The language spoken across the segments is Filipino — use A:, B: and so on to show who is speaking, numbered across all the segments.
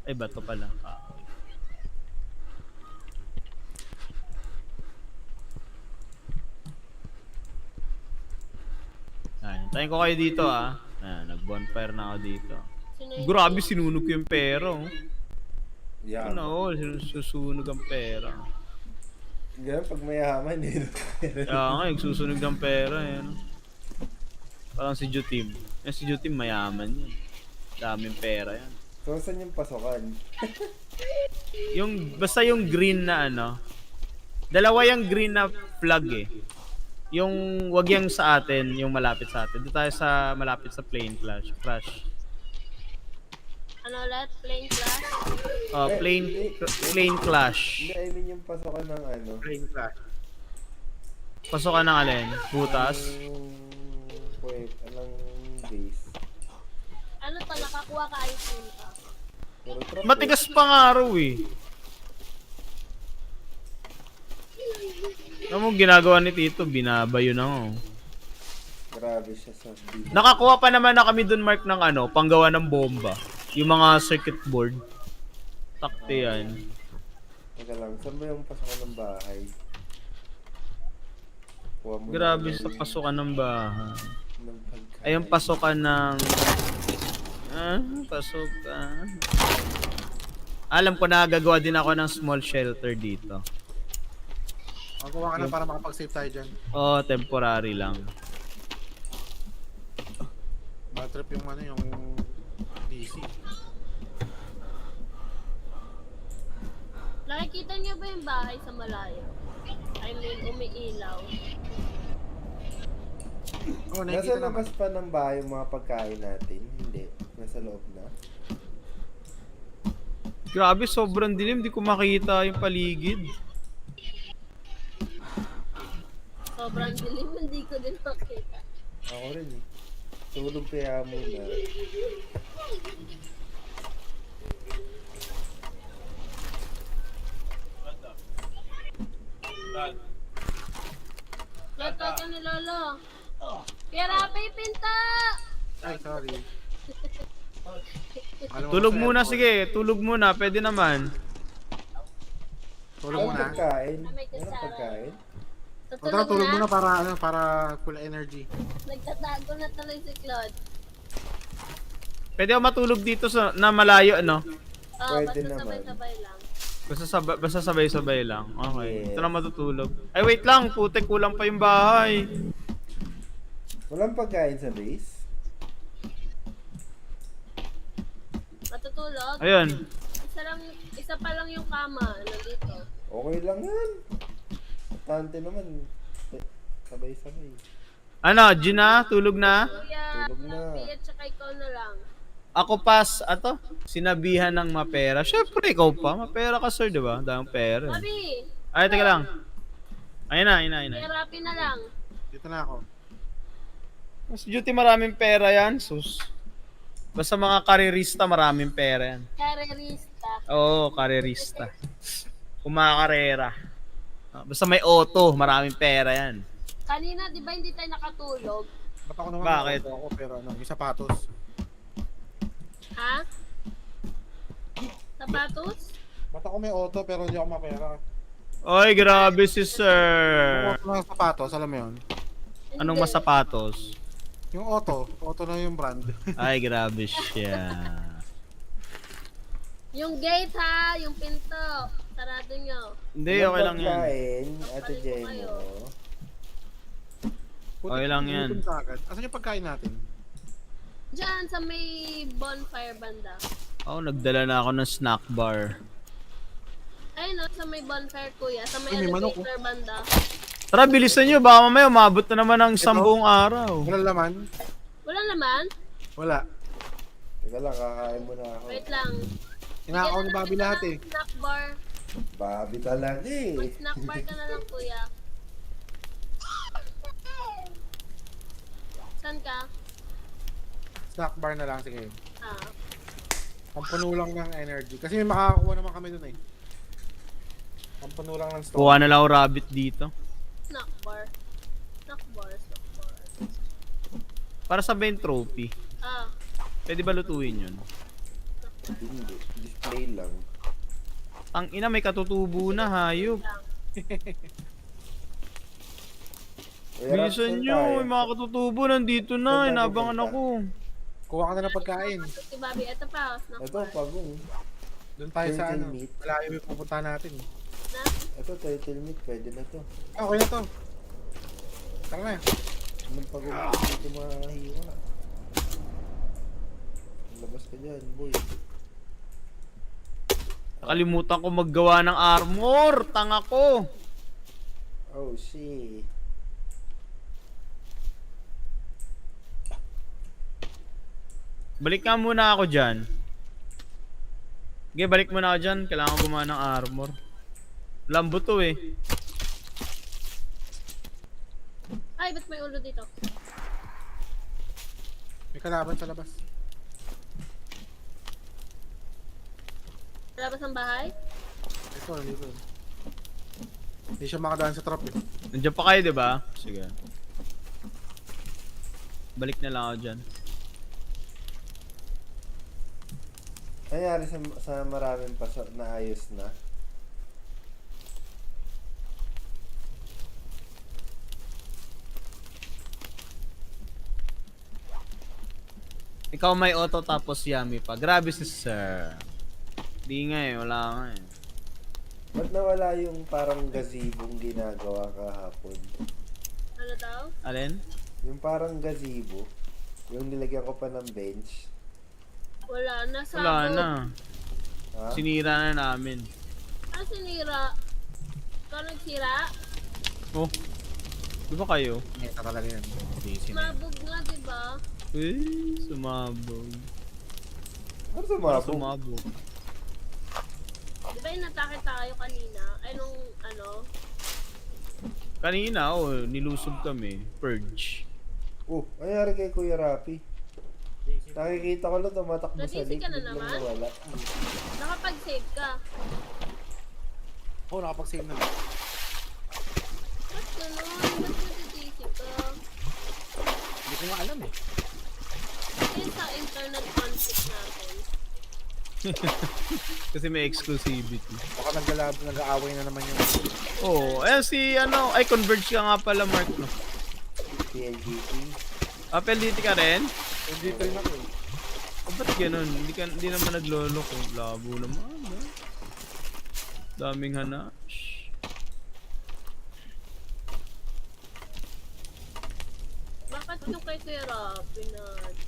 A: Ay, bato pala. Ayan, tayo ko kayo dito Ayan, nag-bonfire na ako dito.
B: Sino yung
A: Grabe,
B: naiyak?
A: sinunog ko yung pera, oh.
C: Yaman.
A: Susunog ang pera.
C: Ganun pag mayaman eh.
A: Kaya nga, susunog ng pera, eh. No? Parang si Jutim. Si Jutim mayaman yan. Daming pera yan.
C: So, saan yung pasokan?
A: Basta yung green na dalawa yung green na flag eh. Yung wag yang sa atin, yung malapit sa atin. Doon tayo sa malapit sa plane crash.
B: Ano ulit? Plain class?
A: Plane clash.
C: Hindi, I mean yung pasokan ng
D: Plane clash.
A: Pasokan ng alin? Butas?
C: Wait, anong base?
B: Ano to? Nakakuha ka iPhone ka?
C: Puro trap
A: Matigas pa nga raw eh. Ano mo ginagawa ni Tito? Binabayo na ako.
C: Grabe siya sa bida.
A: Nakakuha pa naman na kami dun, Mark, ng panggawa ng bomba. Yung mga circuit board. Takte yan.
C: Teka lang, saan ba yung pasokan ng bahay? Kuha mo
A: Grabe
C: na
A: sa
C: yung-
A: pasukan ng bahay.
C: ng pagkain.
A: Ay, yung pasukan ng... pasukan. Alam ko na gagawa din ako ng small shelter dito.
D: Magawa ka na para makapag-save tayo dyan.
A: Oh, temporary lang.
D: Bad trip yung yung DC.
B: Nakikita niyo ba yung bahay sa malayo? I mean, umiilaw.
D: Oh,
C: Nasa
D: nakikita
C: labas
D: naman.
C: pa ng bahay yung mga pagkain natin? Hindi. Nasa loob na.
A: Grabe, sobrang dilim. Di ko makita yung paligid.
B: Sobrang dilim, hindi ko din makita.
C: Ako rin eh. Tulog kaya muna.
B: Lото ka ni Lolo. Kaya Rapi, pinta!
D: Ay, sorry. Alam mo
A: Tulog
D: ba,
A: muna,
D: sir?
A: sige. Tulog muna. Pwede naman.
D: Tulog
C: Ang
D: muna.
C: pagkain?
B: May
C: Ano
B: kasama.
C: pagkain?
D: O tara, tulog muna para full energy.
B: Nagtatago na tuloy si Claude.
A: Pwede ako matulog dito na malayo,
B: Basta
C: Pwede naman.
B: sabay-sabay lang.
A: Basta sabay-sabay lang. Okay.
C: Yes.
A: Ito na matutulog. Ay, wait lang. Putek, kulang pa yung bahay.
C: Walang pagkain sa base?
B: Matutulog?
A: Ayun.
B: Isa pa lang yung kama. Nandito.
C: Okay lang yan. Tante naman. Sabay-sabay.
A: Ano, Gina? Tulog na?
B: Kuya,
C: Tulog na.
B: Rapi at saka ikaw na lang.
A: Ako sinabihan ng mapera. Syempre, ikaw pa. Mapera ka, sir, di ba? Daming pera.
B: Sabi,
A: Ay, teka lang. Ayun na.
B: Kuya Rapi na lang.
D: Dito na ako.
A: Mas duty maraming pera yan, sus. Basta mga karerista, maraming pera yan.
B: Karerista.
A: Oo, karerista. Kumakarera. Basta may auto, maraming pera yan.
B: Kanina, di ba hindi tayo nakatulog?
D: Ba't ako naman
A: Bakit?
D: nakaupo ako pero yung sapatos.
B: Ha? Sapatos?
D: Ba't ako may auto pero hindi ako mapera?
A: Oy, grabe si sir.
D: Yung auto ng sapatos, alam mo yun?
A: Anong
B: Hindi.
A: masapatos?
D: Yung auto na yung brand.
A: Ay, grabe siya.
B: Yung gate ha, yung pinto. Sarado nyo.
A: Hindi, okay lang yan.
C: Pagkain, Ate
B: Papalit ko
C: Jenny.
B: kayo.
A: Okay lang yan.
D: Gutom ka agad. Asan yung pagkain natin?
B: Diyan sa may bonfire banda.
A: Nagdala na ako ng snack bar.
B: Ayun no, sa may bonfire kuya. Sa may
D: Ay, may manok,
B: elevator banda.
A: Tara, bilisan nyo. Baka mamaya umabot na naman ng isang
D: Ito?
A: buong araw.
D: Wala laman?
B: Wala naman.
D: Wala.
C: Teka lang, kakain muna ako.
B: Wait lang.
D: Inakaw ni
B: Bigyan na
D: Bobby
B: kita
D: lahat
B: ng
D: eh.
B: Snack bar.
C: Babi talaga eh.
B: Mag-snack bar ka na lang kuya. Saan ka?
D: Snack bar na lang, sige.
B: Ah.
D: Pampuno lang ng energy. Kasi may makakakuha naman kami dun eh. Pampuno lang ng store.
A: Kuha na lang ako rabbit dito.
B: Snack bar. Snack bar. Snack bar.
A: Para sabihin trophy.
B: Ah.
A: Pwede ba lutuin yun?
B: Snack
C: Hindi. Display lang.
A: Ang ina, may katutubo na, hayop. Bilisan nyo, may mga katutubo nandito na,
C: Saan tayo
A: inabangan
C: pupunta?
A: ako.
D: Kuha ka na ng pagkain.
B: Si Bobby, ito pa. Snack
C: Ito,
B: bar.
C: pagong.
D: Doon tayo sa
C: Turtle
D: ano.
C: meat.
D: Malayo yung pupunta natin.
B: Na?
C: Ito, turtle meat. Pwede na to.
D: Ah, okay na to. Tara na.
C: Anong pagong dito mahiwa? Labas ka dyan, boy.
A: Nakalimutan ko maggawa ng armor, tanga ko.
C: Oh, shit.
A: Balik ka muna ako dyan. Okay, balik muna ako dyan. Kailangan ko gumawa ng armor. Lambo to eh.
B: Ay, ba't may ulo dito?
D: May kalaban sa labas.
B: Labas ng bahay?
D: Ito, dito. Hindi siya makadaan sa trap eh.
A: Nandiyan pa kayo, di ba? Sige. Balik na lang ako dyan.
C: Nangyari sa maraming paso na ayos na.
A: Ikaw may auto tapos yummy pa. Grabe si sir. Di nga eh, wala nga eh.
C: Ba't nawala yung parang gazebong ginagawa kahapon?
B: Ano daw?
A: Alin?
C: Yung parang gazebo, yung nilagyan ko pa ng bench.
B: Wala na. Sabog.
A: Wala na.
C: Ha?
A: Sinira na namin.
B: Ano sinira? Ikaw nagsira?
A: Oh. Di ba kayo?
D: Ito talaga yan. Busy na.
B: Mabog nga, diba?
A: Eh, sumabog.
C: Ano
A: Para
C: sumabog?
A: sumabog.
B: Diba yung natake tayo kanina? Ay, nung ano?
A: Kanina, oh, nilusob kami. Purge.
C: Oh, nangyari kay Kuya Rapi. Nakikita ko lang tumatakbo sa
B: Nadisi
C: lake,
B: ka na
C: biglang
B: naman?
C: nawala.
B: Nakapag-save ka.
D: Oo, nakapag-save na lang.
B: Ba't ganun? Ba't nadidisi ka?
D: Hindi ko nga alam eh.
B: Ayun sa internet conflict natin.
A: Kasi may exclusivity.
D: Baka nag-aaway na naman yung...
A: Oh, ayan si ano, ay converge ka nga pala Mark no.
C: PLGT.
A: Apple dito ka rin?
D: Hindi rin ako eh.
A: Oh, ba't ganun? Hindi naman naglolo ko. Labo naman. Ah. Daming hanash.
B: Bakit yung kay Kuya Rapi na...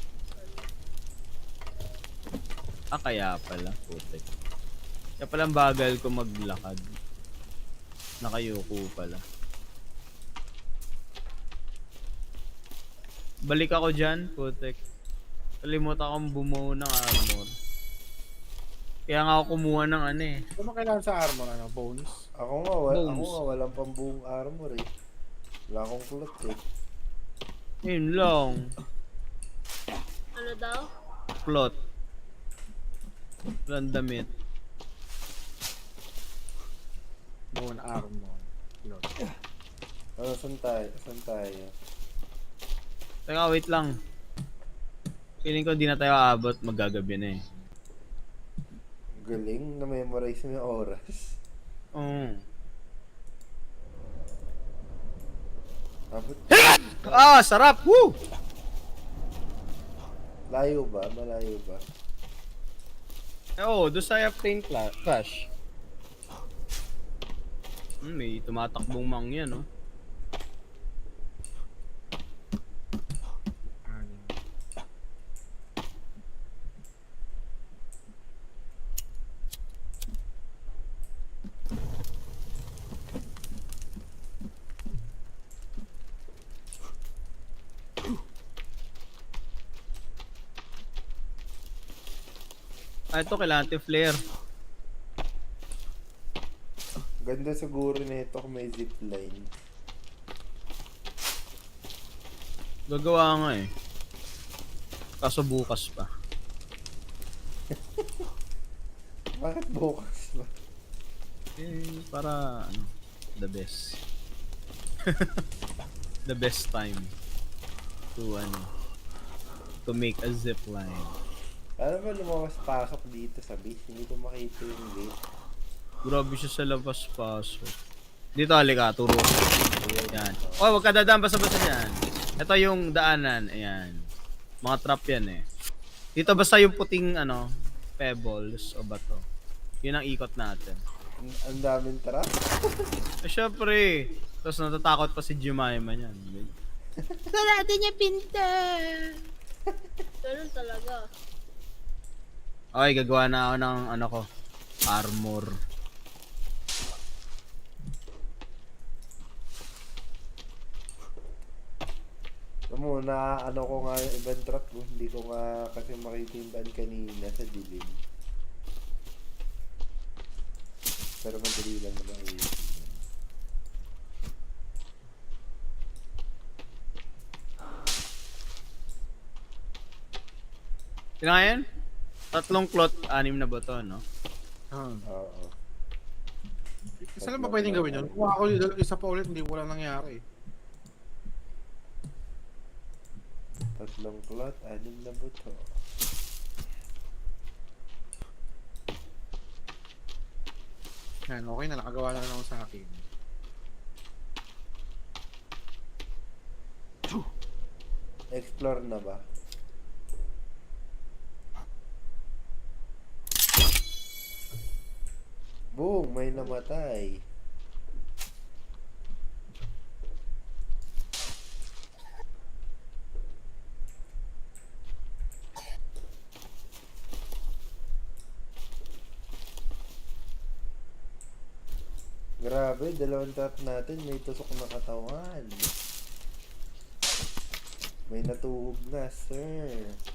A: Ah, kaya pala. Putek. Kaya palang bagal ko maglakad. Nakayuko pala. Balik ako dyan, putek. Kalimutan akong bumuo ng armor. Kaya nga ako kumuha ng ano eh.
D: Ano kailangan sa armor? Ano? Bones?
C: Ako
A: Bones.
C: nga walang pambuong armor eh. Wala akong kulot eh.
A: Yun lang.
B: Ano daw?
A: Plot. Walang damit.
D: Bone armor. Lord.
C: Ano, saan tayo? Saan tayo?
A: Teka, wait lang. Feeling ko di na tayo aabot. Magagabi na eh.
C: Galing, na-memorize mo yung oras.
A: Oo.
C: Abot.
A: Ah, sarap! Woo!
C: Layo ba? Malayo ba?
A: Oo, doon sa plane crash. May tumatakbong mang yan, no? Ah, ito kailangan natin flare.
C: Ganda siguro nito kung may zipline.
A: Gagawa nga eh. Kaso bukas pa.
C: Bakit bukas ba?
A: Eh, para ano, the best. The best time to ano, to make a zip line.
C: Alam mo, lumawas-pasok dito sa base. Hindi ko makita yung gate.
A: Grabe siya sa labas pasok. Dito halika, turo. Yan. Oh, wag ka dadaan basta-basta dyan. Ito yung daanan. Ayan. Mga trap yan eh. Dito basta yung puting ano, pebbles o bato. Yun ang ikot natin.
C: Ang daming trap.
A: Eh syempre. Tapos natatakot pa si Jemima niyan. Sarado niya pinta.
B: Ganun talaga.
A: Okay, gagawa na ako ng ano ko. Armor.
C: Alam mo, ano ko nga yung event trap ko. Hindi ko nga kasi makita yung daan kanina sa dilim. Pero madali lang naman yun.
A: Sino nga yan? 3 cloth, 6 na bato, no?
C: Oo.
D: Isa lang ba pwedeng gawin yun? Kung ako yung isa pa ulit, hindi wala nangyari.
C: 3 cloth, 6 na buto.
D: Yan, okay na, nakagawa na lang ako sa akin.
C: Explore na ba? Boom! May namatay. Grabe, 2 trap natin. May tusok na katawan. May natuhog na, sir.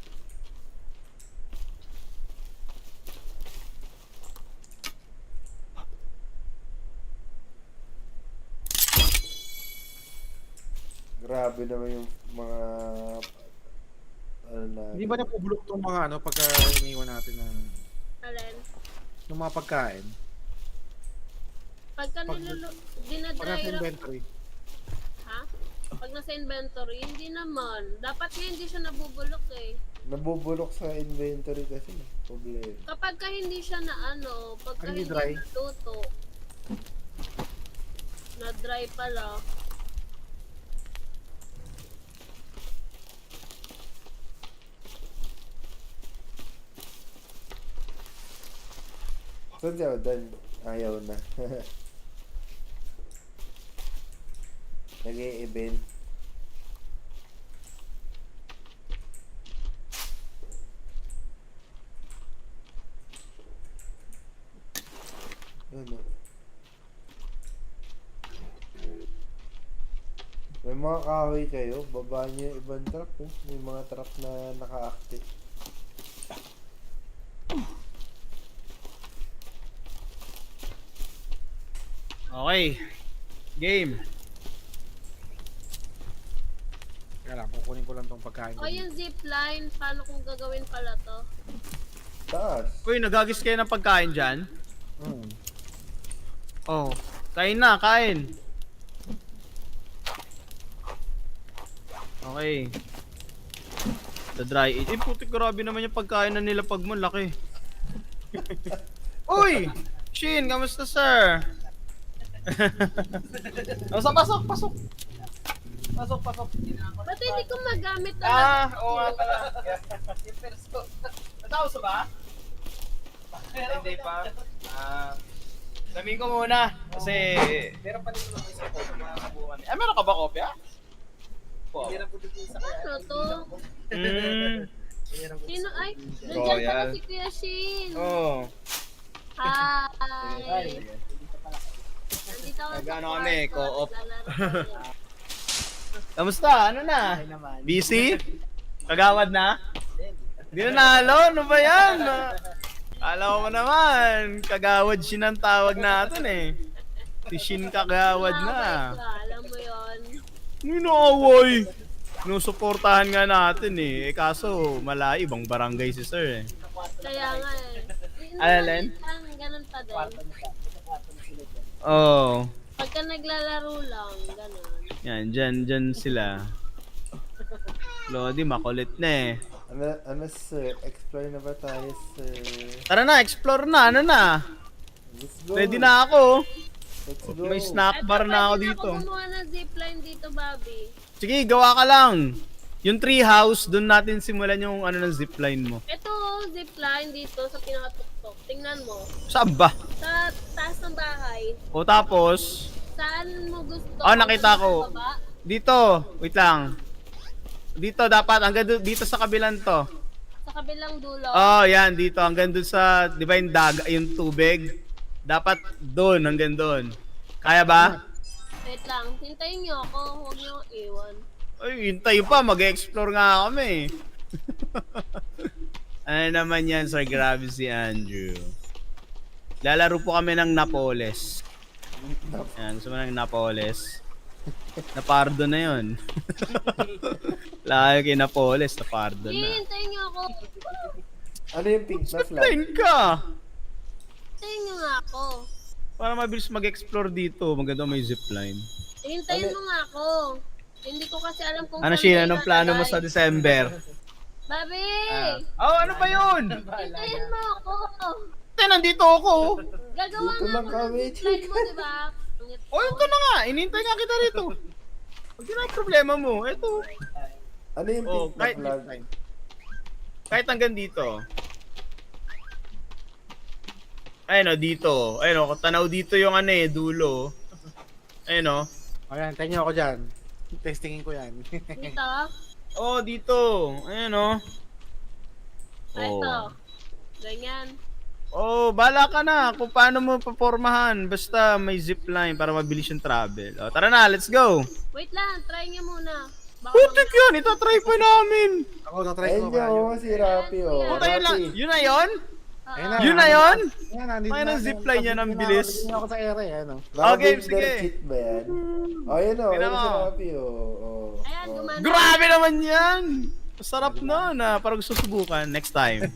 C: Grabe naman yung mga ano na.
D: Hindi ba napubulok tong mga ano pagka iniwan natin ng
B: Alin?
D: ng mga pagkain?
B: Pagka
D: Pag- Pag
B: dinadry
D: nasa
B: ra-
D: inventory.
B: ha? Pag nasa inventory, hindi naman. Dapat nga hindi siya nabubulok eh.
C: Nabubulok sa inventory kasi. Problema.
B: Kapag ka hindi siya na ano, pagka
D: Hindi
B: hindi
D: dry?
B: natuto, na dry pala.
C: Saan si Odan? Ayaw na. Nag-e-event. Ano? May mga kahoy kayo, baba niyo yung ibang trap oh. May mga trap na naka-active.
A: Okay. Game.
D: Kaya lang, kukunin ko lang tong pagkain.
B: O yung zipline, paano kung gagawin pala to?
C: Taas.
A: Uy, nagagis kayo ng pagkain dyan?
D: Hmm.
A: Oh. Kain na, kain. Okay. The dry eat. Eh, puti grabe naman yung pagkain na nila pag malaki. Uy! Shin, kamusta sir? Pasok, pasok, pasok. Pasok, pasok.
B: Ba't hindi ko magamit na
A: Oo nga pala. Natapos ba? Hindi pa. Sabihin ko muna. Kasi... Meron pa din naman sa kopya. Meron ka ba kopya? Meron po din sa
B: ano to? Sino ay?
A: Oh,
B: Nandiyan pala
A: yan.
B: si Kuya Shin.
A: Oo.
B: Hi. Nandito ako sa
A: Nag-ano
B: kwarto,
A: kami, co-op.
B: naglalaro kami.
A: Kamusta? Ano na? Busy? Kagawad na? Hindi na nalo? Ano ba yan? Alam mo naman, kagawad Shin ang tawag natin eh. Si Shin kagawad na.
B: Nakabay ka, alam mo yon.
A: Ninaaway. Sinusuportahan nga natin eh. Kaso, malayo, ibang barangay si sir eh.
B: Kaya nga eh.
A: Alin?
B: Ganun pa din.
A: Oo.
B: Pagka naglalaro lang, ganun.
A: Yan, dyan sila. Lodi, makulit na eh.
C: Ano sir? Explore na ba tayo sir?
A: Tara na, explore na, ano na.
C: Let's go.
A: Ready na ako.
C: Let's go.
A: May snack bar na ako dito.
B: Pwede na ako gumawa ng zipline dito, Bobby.
A: Sige, gawa ka lang. Yung tree house, doon natin simulan yung ano ng zipline mo.
B: Ito, zipline dito sa pinakatuktok. Tingnan mo.
A: Saan ba?
B: Sa taas ng bahay.
A: O tapos,
B: Saan mo gusto?
A: Oh, nakita ko.
B: Sa baba?
A: dito, wait lang. Dito dapat, hanggang dito sa kabilang to.
B: Sa kabilang dulo.
A: Oh, yan, dito. Hanggang doon sa, di ba yung daga, yung tubig? Dapat doon, hanggang doon. Kaya ba?
B: Wait lang. Hintayin niyo ako. Huwag niyo akong iwan.
A: Ay, hintay pa. Mag-explore nga kami. Ano naman yan, sir? Grabe si Andrew. Lalaro po kami ng Napoles. Yan, gusto mo ng Napoles? Napardo na yun. Lagi kay Napoles, napardo na.
B: Hintayin niyo ako.
C: Ano yung pink na flag?
A: Explain ka!
B: Hintayin niyo nga ako.
A: Para mabilis mag-explore dito. Maganda may zipline.
B: Hintayin mo nga ako. Hindi ko kasi alam kung
A: Ano
B: saan
A: siya?
B: kayo
A: Anong plano mo
B: lalagay.
A: sa December?
B: Bobby!
A: Oh, ano ba yun?
B: Hintayin mo ako.
A: Nandito ako.
B: Gagawa
C: Dito
B: nga
C: lang
B: ako
C: kami,
B: ng zipline mo, di ba?
A: Oh, ito na nga. Inintay nga kita dito. Huwag yun ang problema mo. Ito.
C: Ano yung
A: Oh,
C: pink na
A: kahit,
C: flag?
A: kahit hanggang dito. Ayun o, dito. Ayun o, tanaw dito yung ano eh, dulo. Ayun o.
D: Ayan, tayo niyo ako dyan. Testingin ko yan.
B: Dito?
A: Oh, dito. Ayun o.
B: Ito. Ganyan.
A: Oh, bala ka na kung paano mo papormahan. Basta may zipline para mabilis yung travel. Oh, tara na, let's go.
B: Wait lang, try niya muna. Baka
A: Putik yun, itatry pa namin.
D: Ako, na-try
C: Ayun
D: ko ba
C: yun, si Rapi oh.
A: Puta yun lang.
C: Rapi.
A: Yun na yun?
D: Ayun
B: Ah,
A: Yun na yun?
D: Ayan, nandito
A: Ay,
D: na.
A: ng zipline niya ng bilis.
D: Nandito na ako sa ere, ano.
A: Okay,
C: Lavender
A: sige.
C: cheat ba yan? Oh, yun oh.
A: Tingnan
C: Ayun si
A: mo.
C: Rapi oh.
B: Ayan, gumana.
A: Grabe naman yan! Masarap na na. Parang gusto subukan. Next time.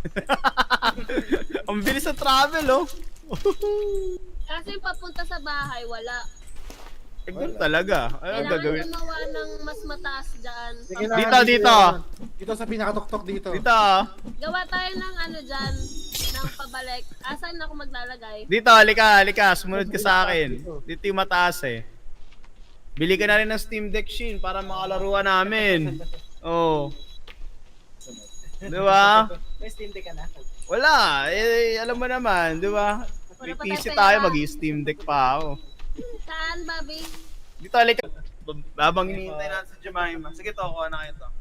A: Ang bilis sa travel, oh.
B: Kasi yung papunta sa bahay, wala.
A: Eh, ganun talaga. Ano
B: Kailangan
A: gagawin?
B: gumawa ng mas mataas dyan.
D: Sige na,
A: Dito, dito.
D: Dito sa pinakatuktok dito.
A: Dito, ah.
B: Gawa tayo ng ano dyan, ng pabalik. Asan ako maglalagay?
A: Dito, halika, halika. Sumunod ka sa akin. Dito yung mataas, eh. Bili ka na rin ng Steam Deck, Shin, para makalaruan namin. Oh. Di ba?
E: May Steam Deck ka na.
A: Wala. Eh, alam mo naman, di ba? May
B: Wala pa
A: PC
B: tayo
A: tayo,
B: pera.
A: mag-Steam Deck pa ako.
B: Saan, Bobby?
A: Dito, halika. Habang hinihintay natin sa Jemima. Sige, to, kuha na kayo to.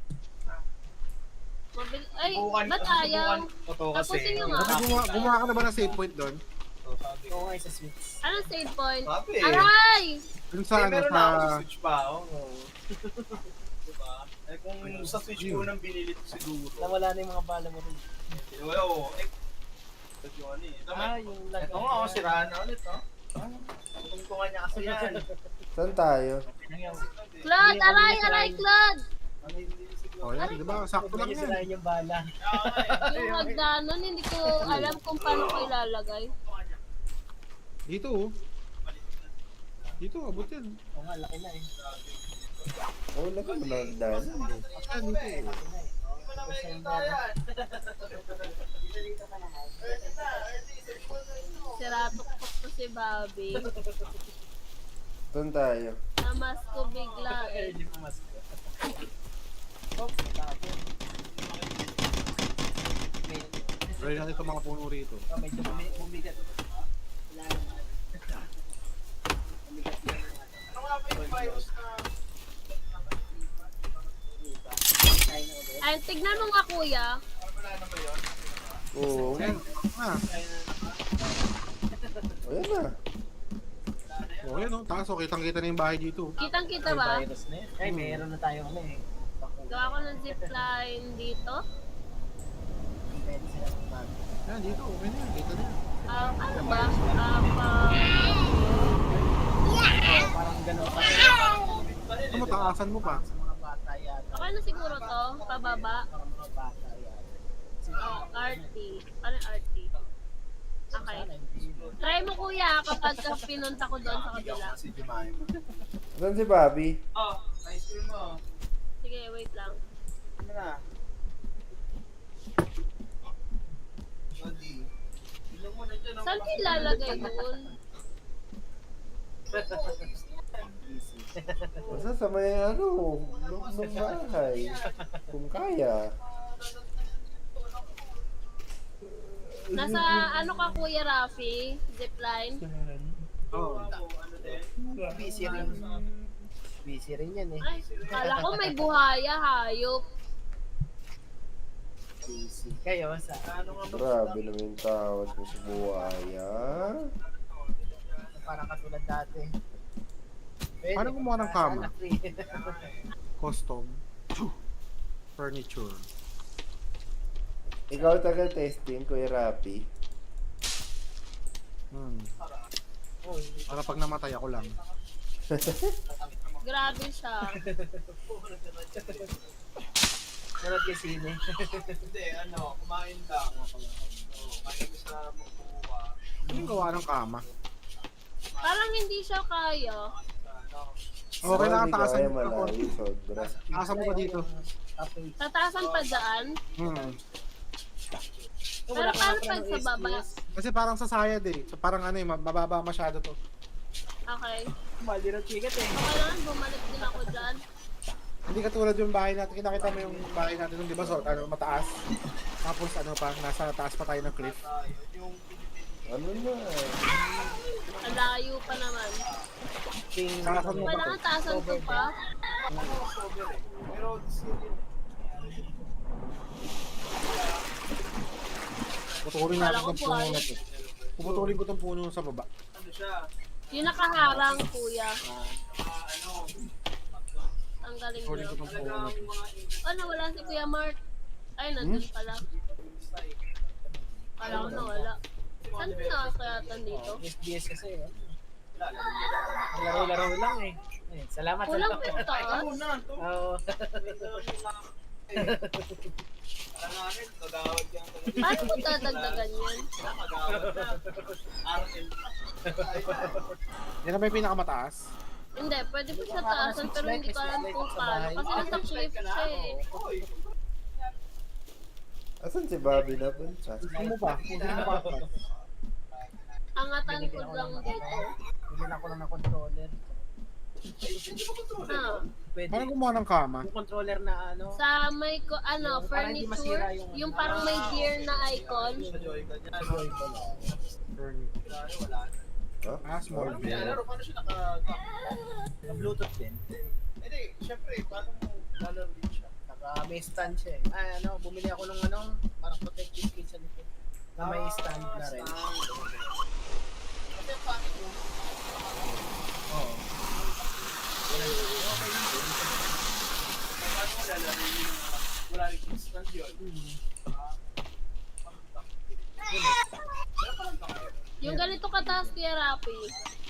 B: Ay, ba't ayaw?
A: Ito
B: Tapusin nyo nga.
D: Gumawa ka na ba ng save point doon?
E: Oo nga sa Switch.
B: Anong save point?
A: Sabi.
B: Aray!
D: Dun sa ano,
A: Meron
D: sa...
A: na ako sa Switch pa ako. Diba? Eh kung sa Switch ko nang binili ko siguro.
E: Nawala na yung mga bala mo rin.
A: Oo. Eh, ito yung ano eh.
E: Yung lag.
A: Ito nga, siraan na ulit, oh. Tungtungan niya kasi yan.
C: Saan tayo?
B: Claude! Aray, Claude!
D: Oh, yan, di ba? Sakto lang yan.
E: Sirain yung bala.
B: Yung hagdanan, hindi ko alam kung paano ko ilalagay.
D: Dito, oh. Dito, abot yan.
E: Oo nga, laki na eh.
C: Oh, laki mo lang dahil.
D: Ayan, dito, oh.
B: Siratok-tok to si Bobby.
C: Saan tayo?
B: Namas ko bigla eh.
D: Try natin itong mga puno rito.
E: Medyo bumigat.
B: Ay, tignan mo nga kuya.
C: Oo.
D: Ayan. Ah,
C: Oh, yan na.
D: oh, yan, oh. Taas, oh. Kitang-kita na yung bahay dito.
B: Kitang-kita ba?
E: Virus na yun. Ay, meron na tayo ano eh.
B: Gawa ko ng zipline dito.
E: Pwede sila mag...
D: Ayan, dito. Okay na yan. Kita na yan.
B: Ano ba?
E: Parang ganun pa.
D: Ito, mataasan mo pa.
E: Sa mga bata yata.
B: Okay na siguro to? Pababa?
E: Parang mga bata yata.
B: RT. Ano yung RT? Okay. Try mo kuya kapag pinunta ko doon sa kabila.
A: Si Jemima.
C: Saan si Bobby?
A: Oh, ice cream mo.
B: Sige, wait lang.
A: Ano na?
B: Saan ko ilalagay doon?
E: Easy.
C: Basta sa may ano, loob ng bahay. Kung kaya.
B: Nasa ano ka Kuya Rafi? Zipline?
E: Oo. Busy rin. Busy rin yan eh.
B: Ay, kala ko may buhaya, hayop.
E: Busy. Kayo, sa ano nga ba?
C: Grabe naman yung tawad mo sa buhaya.
E: Parang katulad dati. Pwede.
D: Paano gumawa ng kama?
E: Sana free.
D: Custom. Furniture.
C: Ikaw taga-testing, Kuya Rapi.
E: Uy,
D: Para pag namatay ako lang.
B: Grabe siya.
E: nanood kay sine.
D: Ano yung gawa ng kama?
B: Parang hindi siya kaya.
D: Okay lang,
C: Hindi
D: taasan
C: kaya
D: mo ako.
C: malayo, sobra.
D: Taasan mo pa dito.
E: Update.
B: Tataasan pa dyan. Pero paano pag sa baba?
D: Kasi parang sa sayad eh. So parang ano eh, mababa masyado to.
B: Okay.
E: Mali ng ticket eh.
B: Okay lang, bumalik din ako dyan.
D: Hindi katulad yung bahay natin. Kita mo yung bahay natin nung di ba? So, ano, mataas. Tapos ano pa, nasa taas pa tayo ng cliff.
C: Ano na?
B: Ang layo pa naman.
D: Taasan mo pa to.
B: Kailangan taasan ko pa.
D: Putulin
B: Kala
D: natin
B: ko
D: ng
B: po,
D: puno
B: ay.
D: na to. Puputulin ko tong puno sa baba.
B: Yung nakaharang, kuya. Tanggalin
D: Putulin ko
B: nyo.
D: tong puno na to.
B: Oh, nawala si Kuya Mark. Ay, nandun pala. Kala ko nawala. Saan nakakayatan dito?
E: SBS kasi eh. Laro-laro lang eh. Salamat
B: Kulang
E: sa
B: pintaas.
E: Oo.
B: Paano mo dadagdagan yan?
D: Yan na ba yung pinakamataas?
B: Hindi, pwede po siya taasan pero hindi ko alam kung paano. Kasi nasa cliff siya eh.
C: Asan si Bobby na punta?
D: Ano mo ba? Kung sino pa ako.
B: Angatan ko lang dito.
E: Bigyan ako lang ng controller.
B: Ah,
E: Pwede.
D: Paano gumawa ng kama?
E: Yung controller na ano.
B: sa may ano,
E: Para hindi masira
B: furniture,
E: yung-
B: yung parang may gear na icon.
C: Huh?
D: Ah, small bit.
E: Bluetooth din.
F: Hindi, syempre, paano mo lalaro din siya?
E: May stand siya eh. Ay, ano, bumili ako ng ano, parang protective case sa likod. Na may stand na rin.
F: Kasi ang pangit mo,
E: Oo.
F: paano mo lalaro yung wala rin instant yun?
B: Yung ganito kataas kaya Rapi.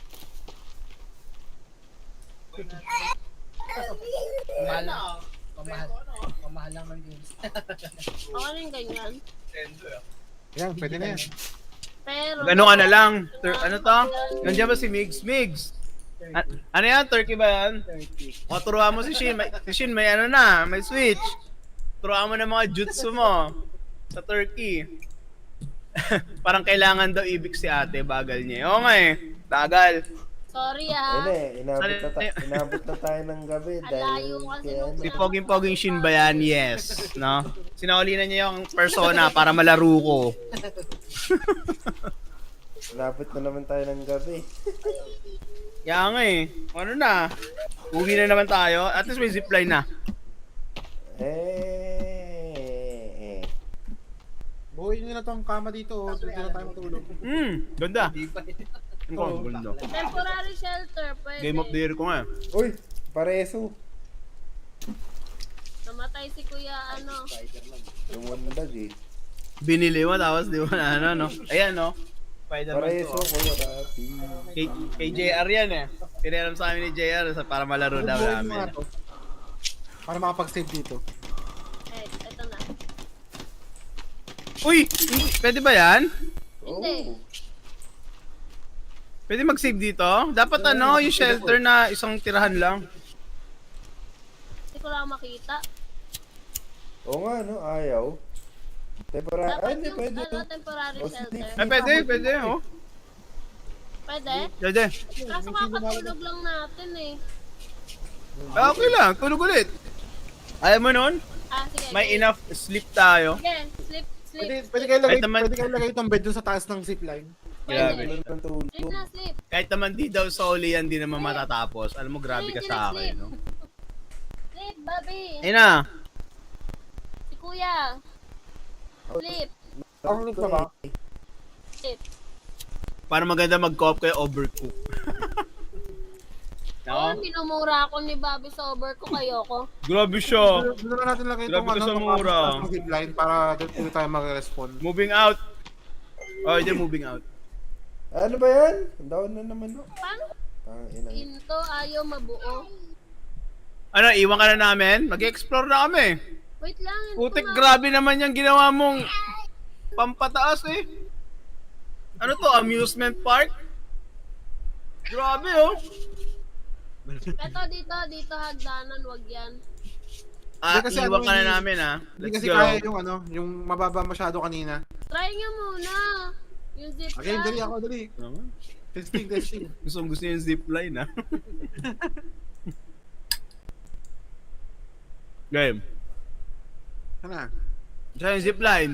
E: Pamahal lang ng games.
B: Ako rin ganyan.
F: Nintendo eh.
D: Yan, pwede na yan.
B: Pero...
A: Ano ka na lang? Ano to? Nandiyan ba si Migs? Migs! Ano yan? Turkey ba yan?
E: 30.
A: O, turuan mo si Shin. Si Shin may ano na, may switch. Turuan mo na mga jutsu mo sa Turkey. Parang kailangan daw ibig si ate, bagal niya. Oo nga eh, bagal.
B: Sorry
C: Ayun
B: ah.
C: eh, inabot na tayo ng gabi
B: Ang
C: dahil
B: layo kasi
C: kaya
B: nung-
C: ano.
A: Si Poging Shin ba yan? Yes. No? Sinaulinan niya yung persona para malaro ko.
C: Inabot na naman tayo ng gabi.
A: Kaya nga eh. Ano na? Uwi na naman tayo. At least may zipline na.
D: Buuin nyo na tong kama dito. Dito na tayo matulog.
A: Ganda. Ang ganda.
B: Temporary shelter, pwede.
A: Game of the year ko nga.
C: Uy, pareso.
B: Namatay si Kuya ano.
C: Lumundag eh.
A: Binili mo tapos di mo na ano, no? Ayan, no? Spider-Man
C: Pareso,
A: 2.
C: Kuya Rapi.
A: Kay JR yan eh. Pinaram sa amin ni JR para malaro daw
D: Buuin mo nga
A: namin.
D: to. Para makapag-save dito.
B: Eh, eto na.
A: Uy! Pwede ba yan?
B: Hindi.
A: Pwede mag-save dito? Dapat ano, yung shelter na isang tirahan lang.
B: Hindi ko lang makita.
C: Oo nga, no? Ayaw. Temporary. Ay,
B: Dapat
C: hindi
B: yung
C: pwede.
B: temporary
C: Oh,
B: shelter.
A: Ay, pwede, oh.
B: Pwede?
A: Pwede.
B: Kaso kakatulog lang natin eh.
A: Ah, okay lang, tulog ulit. Ayaw mo nun?
B: Sige.
A: May enough sleep tayo.
B: Sige, sleep.
D: Pwede kayo lagay,
A: Kahit naman-
D: pwede kayo lagay itong bed dun sa taas ng zipline.
A: Grabe.
C: Wala nang tulog.
B: Sleep na, sleep.
A: Kahit naman di daw soli yan, di naman matatapos. Alam mo, grabe ka sa akin, no?
B: Sleep, Bobby.
A: Ayun na.
B: Si Kuya. Sleep.
D: Ang link na ba?
B: Sleep.
A: Para maganda mag-co-op kayo, overcook.
B: Oo,
A: No?
B: minumura ako ni Bobby sa overcook. Ayoko.
A: Grabe siya.
D: Doon na natin lagay
A: Grabe
D: itong
A: ka sa
D: itong
A: mura.
D: taas ng zipline para doon tayo mag-respond.
A: Moving out. Oh, hindi moving out.
C: Ano ba yan? Down na naman.
B: Paano?
C: Ina.
B: Into ayaw mabuo.
A: Ano, iwan ka na namin? Mag-explore na kami.
B: Wait lang. Into
A: Putik, grabe naman yung ginawa mong pampataas eh. Ano to, amusement park? Grabe oh.
B: Eto dito hagdanan, wag yan.
A: Ah,
D: Hindi kasi
A: iwan
D: ano,
A: ka na
D: hindi-
A: namin ah.
D: Hindi
A: Let's
D: kasi
A: go.
D: kaya yung mababa masyado kanina.
B: Try nyo muna. Yung zip
D: Okay,
B: line.
D: dali ako, dali.
A: Naman.
D: Testing.
A: Gusto niya yung zipline ah. Game.
D: Ano?
A: Siya yung zipline.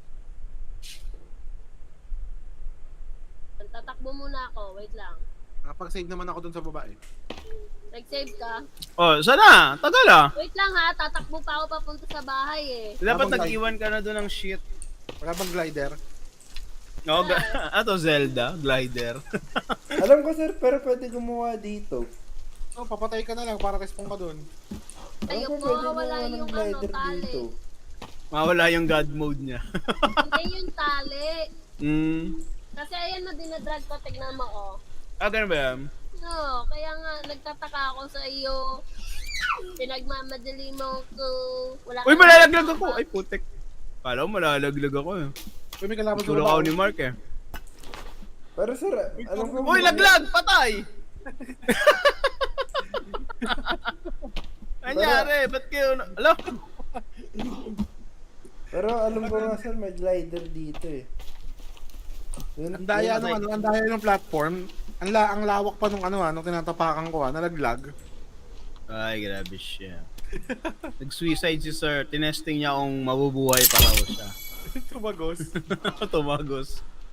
B: Tatakbo muna ako. Wait lang.
D: Nakapag-save naman ako dun sa babae.
B: Nag-save ka?
A: Oh, sana? Tagal ah.
B: Wait lang ha. Tatakbo pa ako papunta sa bahay eh.
A: Dapat
D: Habang
A: nag-iwan ka na doon ng shit.
D: Wala bang glider?
A: No, ato Zelda, glider.
C: Alam ko sir, pero pwede gumawa dito.
D: Oh, papatay ka na lang para respawn ka dun.
C: Alam ko
B: Ayoko,
C: pwede
B: wala
C: gumawa ng
B: yung
C: glider
B: tali.
C: dito.
A: Mawala yung god mode niya.
B: Hindi yung tali. Kasi ayan na dinadrag ko. Tignan mo oh.
A: Ganun ba yan?
B: No, kaya nga nagtataka ako sa iyo. Pinagmamadali mo ko. Wala
A: Uy,
B: ka-
A: malalaglag ako! Ay, putik. Kala ko malalaglag ako eh.
D: Uy, may kalaban sa
A: Tulog ako ni
D: baba.
A: Mark eh.
C: Pero sir, alam ko...
A: Uy, laglag! Patay! Anyari, ba't kayo... Alam?
C: Pero alam ko nga sir, may glider dito eh.
D: Ang daya ng platform. Ang lawak pa nung nung tinatapakan ko nalaglag.
A: Ay, grabe siya. Nag-suicide si sir. Tinesting niya kung mabubuhay pa raw siya.
D: Tumagos.
A: Tumagos.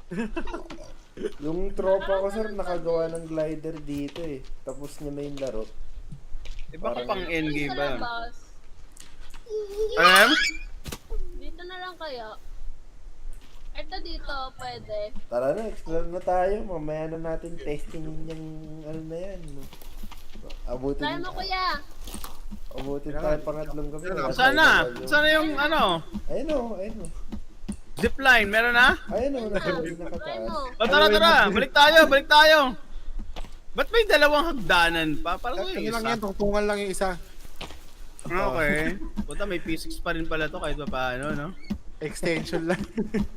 C: Yung tropa ko sir, nakagawa ng glider dito eh. Tapos niya na yung laro.
A: Di ba kapang
B: Sa
A: endgame ba yan?
B: labas.
A: Alam?
B: Dito na lang kaya. Ito dito, pwede.
C: Tara na, explore na tayo. Mamaya na natin testing yung ano na yan. No? Abutin,
B: Try mo kuya.
C: abutin tayo pangatlong gabi. Wala
A: Sana?
C: tayo gagawin.
A: Sana yung ano?
C: Ayun o, ayun o.
A: Zipline, meron na?
C: Ayun o, nasa
B: Try
C: nakataas.
B: mo.
A: O tara, tara! Balik tayo! Ba't may dalawang hagdanan pa? Parang
D: Ano
A: yung
D: lang
A: isa.
D: yan, tungtungan lang yung isa.
A: Okay. Puta, may P6 pa rin pala to kahit pa paano, no?
D: Extension lang.